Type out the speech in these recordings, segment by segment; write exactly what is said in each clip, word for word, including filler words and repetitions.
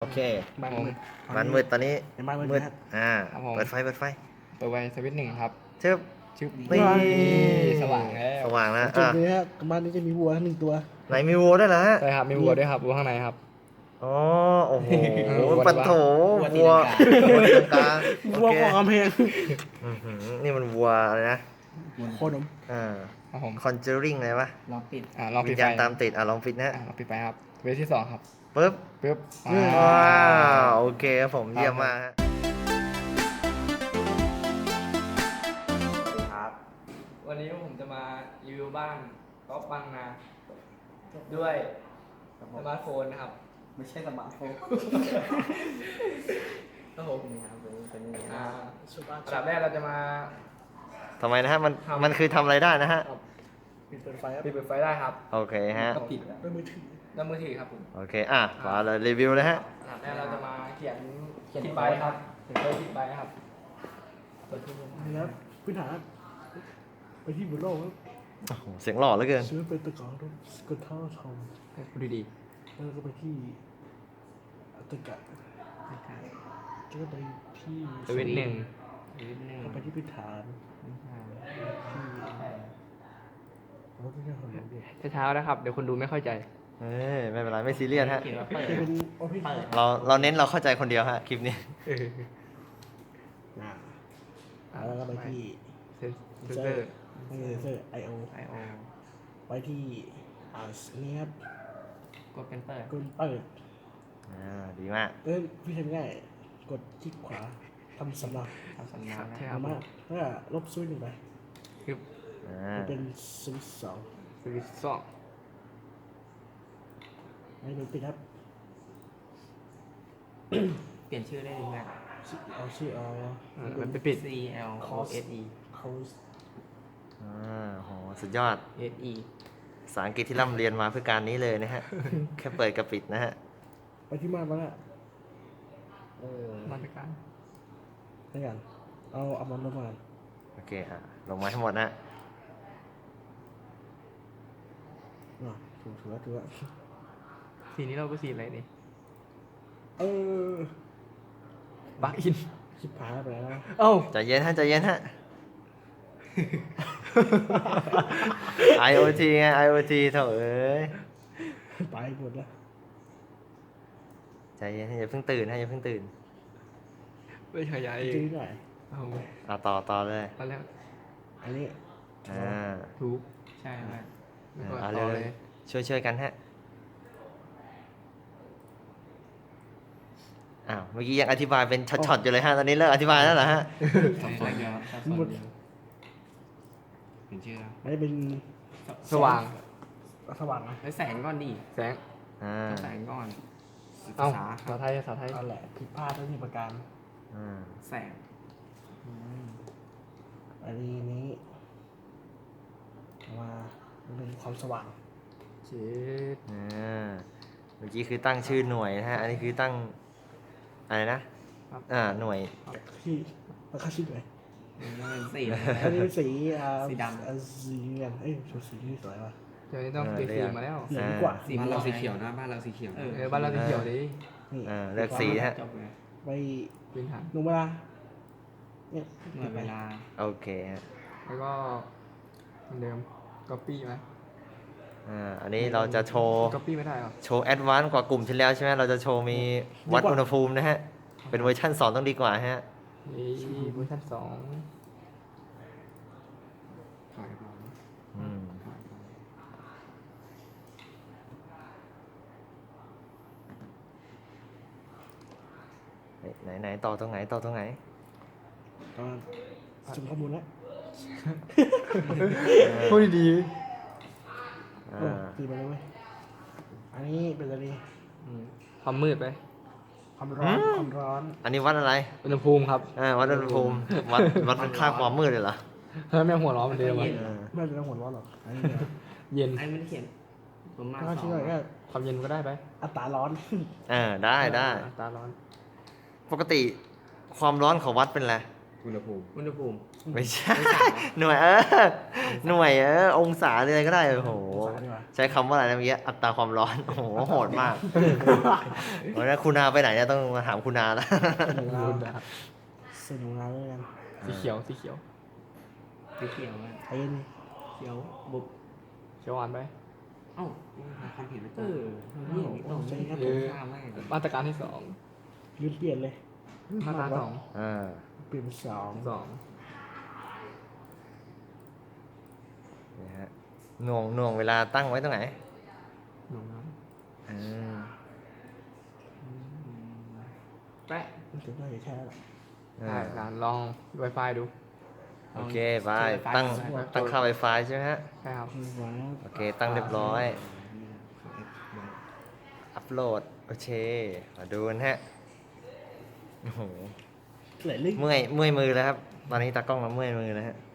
โอเคบ้านมืดมันมืดตอนนี้ในบ้านมืดมืดนะอ่าครับผมเปิดไฟเปิดไฟเปิดไว้สวิตช์หนึ่งครับเชิบชึบนี่นี่สว่างแล้วสว่างแล้วจุดอ่ะนี้ฮะบ้านนี้จะมีวัวหนึ่งตัวไหนมีวัวด้วยเหรอฮะใช่ครับมีวัวด้วยครับวัวข้างในครับอ๋อโอ้โหเออวัวปัดโถวัวัววตีวัวลังกาตีลังกาวัวโอเคกองกำแพงอื้อหือนี่มันวัวอะไรนะโคตรนมอ่าครับผมคอนเจอริงอะไรวะลองปิดอ่าลองวิปิดญไฟญาณตามติดอ่ะลองปิดนะอ่าลองปิดไฟครับเวทที่สองครับปึ๊บปึ๊บว้าวโอเคครับผมเยี่ยมมากฮะครับวันนี้ผมจะมารีวิวบ้านก๊อฟบางนาด้วยสมาร์ทโฟนนะครับไม่ใช่สมาร์ทโฟนครับผมนี่ครับเป็นเป็นยังไงอ่าสุบ้านอันดับแรกเราจะมาทำไมนะฮะมันทำมันคือทำอะไรได้นะฮะปิดเปิดไฟครับปิดเปิดไฟได้ครับโอเคฮะก็ปิดแล้วด้วยมือถือด้านมือถือครับผมโอเคอ่ะมาเลยรีวิวเลยฮะอันดับแรกเราจะมาเขียนเขียนใบครับเขียนใบติดใบครับเปิดที่มือนี่ครับพื้นฐานไปที่บุโรครับโอ้โหเสียงหล่อเหลือเกินซื้อเป็นตะกร้อรถสกุตเตอร์ทอมพูดดีแล้วก็ไปที่ตะกะแล้วก็ไปที่ๆสวิตช์หนึ่งนิดนึงก็ไปที่พื้นฐานที่รถที่จะทำอย่างเดียวเช้าๆนะครับ เดี๋ยวคนดูไม่เข้าใจเอ้ยไม่เป็นไรไม่ซีเรียสฮะเขียนว่าเปิดจะเป็นออฟฟิศเปิดเราเราเน้นเราเข้าใจคนเดียวฮะคลิปนี้อ่าแล้วก็ไปที่เซนเซอร์ไม่ใช่เซอร์ไอโอไอโอไปที่อ่านี่ครับกดเป็นเปิดกดเปิดอ่าดีมากเอ้ยพี่ทำง่ายกดคลิกขวาทำสำเนาทำสัญญาณใช่นะครับมากแล้วก็ลบสวิตช์หนึ่งไปคืออ่ามันเป็นสวิตช์สองสวิตช์สองไม่เป็นปิดครับเปลี่ยนชื่อได้ดีไหมชื่อเอาชื่อเอาอ่ามันไปปิด C L O S E เขาอ่าโหสุดยอด S E ภาษาอังกฤษที่ร่ำเรียนมาเพื่อการนี้เลยนะฮะ แค่เปิดกับปิดนะฮะไปที่ม่านมาละเออมาตรการได้กันเอาเอามันลงมาโอเคอ่ะลงมาให้หมดนะอ่ะถูกถูกแล้วถูกแล้วสีนี้เราก็สีอะไรนี่เออบักอินชิบหายไปแล้วนะเอ้าใจเย็นฮะใจเย็นฮะ ไอ โอ ที ไง ไอ โอ ที เถอะเอ้ยไปหมดแล้วใจเย็นฮะอย่าเพิ่งตื่นฮะอย่าเพิ่งตื่นไม่ขยายจื้อหน่อยเอาอ่ะต่อต่อเลยตอนแรกอันนี้อ่าถูกใช่ไหมแล้วก็เอาต่อเลเลย ยช่วยช่วยกันฮะอ้าวเมื่อกี้ยังอธิบายเป็นช็อตๆอยู่เลยฮะตอนนี้เลิกอธิบายแล้วเหรอฮะสับสนเยอะสับสนเยอะเปลี่ยนชื่อแล้วอันนี้เป็นสว่างสว่างนะแล้วแสงก่อนดิแสงอ่าแสงก่อนเอ้าภาษาภาษาไทยภาษาไทยเอาแหละผิดพลาดทั้งที่ประการอืมแสงอันนี้นี้มามันเป็นความสว่างเจ็ดอ่าเมื่อกี้คือตั้งชื่อหน่วยนะฮะ อันนี้คือตั้งอะไรนะ อ่า หน่วยที่ราคาชิ้นเลยมันเป็นสีอันนี้สีอ่าสีดำอ่าสีเงินเอ้ยชุดสีที่สวยว่ะเดี๋ยวนี้ต้องเปลี่ยนสีมาแล้วเหลืองกว่าสีบ้านเราสีเขียวนะบ้านเราสีเขียวเออบ้านเราสีเขียวดินี่อ่าเลือกสีฮะจบเลยไปพื้นฐานลงเวลาเนี่ยหน่วยเวลาโอเคฮะแล้วก็เหมือนเดิมก๊อปปี้ไหมอ่า อันนี้เราจะโชว์ก๊อปปี้ไม่ได้หรอโชว์แอดวานซ์กว่ากลุ่มที่แล้วใช่ไหมเราจะโชว์มีวัดอุณหภูมินะฮะ เป็นเวอร์ชันสองต้องดีกว่าฮะนี่เวอร์ชันสองถ่ายมาอืมถ่ายมาไหนไหนต่อตรงไหนต่อตรงไหนตอนสุ่มข้อมูลแล้วพูดดีอ่โอ้าตีไปเลยเว้ยอันนี้เป็นอะไรดีๆอืมความมืดไปความร้อนความร้อนอันนี้วัดอะไรอุณหภูมิครับอ่า วัดอุณหภูมิ วัดวัดค่าความมืดเลยเหรอเฮ้ยแม่งหัวร้อนเหมือนเดิมอะเออไม่เป็นหัวร้อนหรอกอันนี้เนี่ยเย็นไอ้ไม่ได้เขียนประมาณถ้าสอชิ้นงหน่อยก็ความเย็นก็ได้ไปอัตราร้อนเออได้ได้ตาร้อนปกติความร้อนเขาวัดเป็นอะไรอุณหภูมิอุณหภูมิไม่ใช่ หน่วยเออ หน่วยเออ องศาอะไรก็ได้ โอ้โหองศาดีกว่าใช้คำว่าอะไรนะเมื่อกี้อัตราความร้อน โอ้โห โหดมากวันนี้คุณนาไปไหนเนี่ยต้องมาถามคุณนาแล้วหนูนาใส่หนูนาด้วยกันสีเขียวสีเขียวสีเขียวอะไอ้นี่เขียวบุบเขียวหวานไปเอ้าความเห็นไม่ตเอรงอนี่ตรงนี้ก็ตรงข้ามมากเลยมาตรการที่สองยืดเปลี่ยนเลยมาตราสองอ่าเปลี่ยนเป็นสองสองนี่ฮะหน่วงหน่วงเวลาตั้งไว้ตรงไหนหนูน้อ่าำแปะมันถึงได้แค่นั้นแหละได้การลอง Wi-Fi ดูโอเคไปตั้งตั้งค่า Wi-Fi ใช่ไหมฮะใช่ครับมีไว้โอเค ตั้งเรียบร้อย อัพโหลด โอเค มาดูกันฮะ โอ้โหไหลลึกเมื่อย เมื่อยมือแล้วครับ ตอนนี้ตากล้องเราเมื่อยมือแล้วฮะ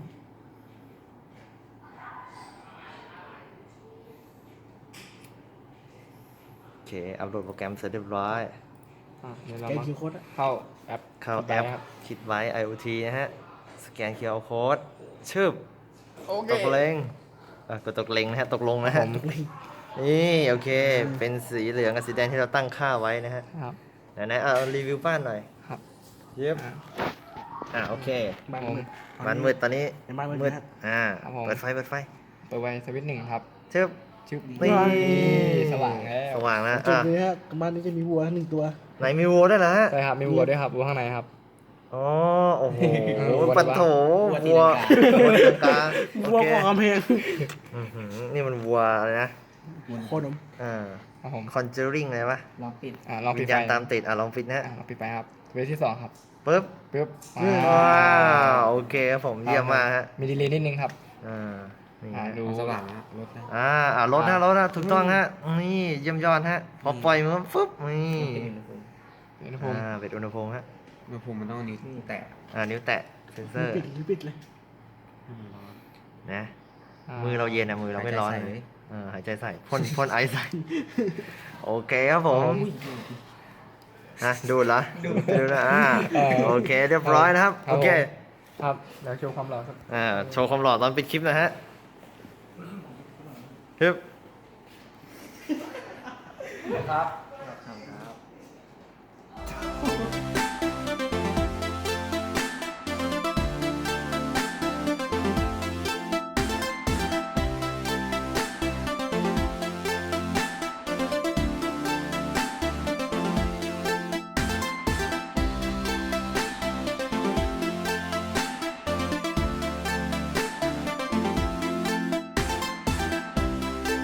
โอเค อัพโหลดโปรแกรมเสร็จเรียบร้อยอ่ะเดี๋ยวเราแกมาคิวโค้ดอะเข้าแอปเข้าคิดแอไว้ปครับคิดไว้ IoT นะฮะ สแกน คิว อาร์ Code ชึบโอเคตกเลงเอ่อกดตกเลงนะฮะ ตกลงนะฮะ นี่ โอเค เป็นสีเหลืองกับสีแดงที่เราตั้งค่าไว้นะฮะครับไหนๆเอารีวิวบ้านหน่อยครับเย็บอ่ะอ่าโอเคบ้านผมมืดบ้านมืดตอนนี้ในบ้านมืดมืดนะครับอ่าครับผมเปิดไฟ เปิดไฟเปิดไว้สวิตช์หนึ่งครับชึบชึบนี่สว่างแล้วสว่างแล้วจุดอ่ะนี้ฮะบ้านนี้จะมีวัวหนึ่งตัวไหนมีวัวด้วยนะฮะใช่ครับ มีวัวด้วยครับวัวข้างในครับอ๋อ โอ้โหวัวปัดโถวัวตีวัวลังกาวัวตีลังกาโอวัวเคของกำแพงอื้อหือนี่มันวัวอะไรนะโคตรนมอ่าครับผมคอนเจอริงอะไรวะลองปิดอ่าลองวิปิดญไฟญาณตามติด อ่ะ ลองปิดนะฮะอ่าลองปิดไฟครับสวิตช์ที่สองครับปึ๊บปึ๊บว้าวโอเคครับผมเยี่ยมมากฮะมีดีเลย์นิดนึงครับอ่า นี่อ่าฮะดูสว่างแล้วลดแล้วอ่าอ่ารถนะรถนะถูกต้องฮะ นี่เยี่ยมยอดฮะ พอปล่อยมือฟึ๊บ นี่ปิดอุณหภูมิอุณหภูมิอ่าเป็นอุณหภูมิฮะอุณหภูมิมันต้องนิ้วแตะอ่า นิ้วแตะ เซนเซอร์ปิดหรือปิดเลยให้มันร้อนนะอ่ามือเราเย็นนะมือเราไม่ร้อนหายใจใส่เลยเออหายใจใส่พ่นพ่นไอใส่ โอเคครับผม ฮะ ดูดเหรอ ดูดนะอ่าเออโอเค เรียบร้อยนะครับครับโอเคครับเดี๋ยวโชว์ความหล่อสักอ่า โชว์ความหล่อตอนปิดคลิปนะฮะฮึบนะครับ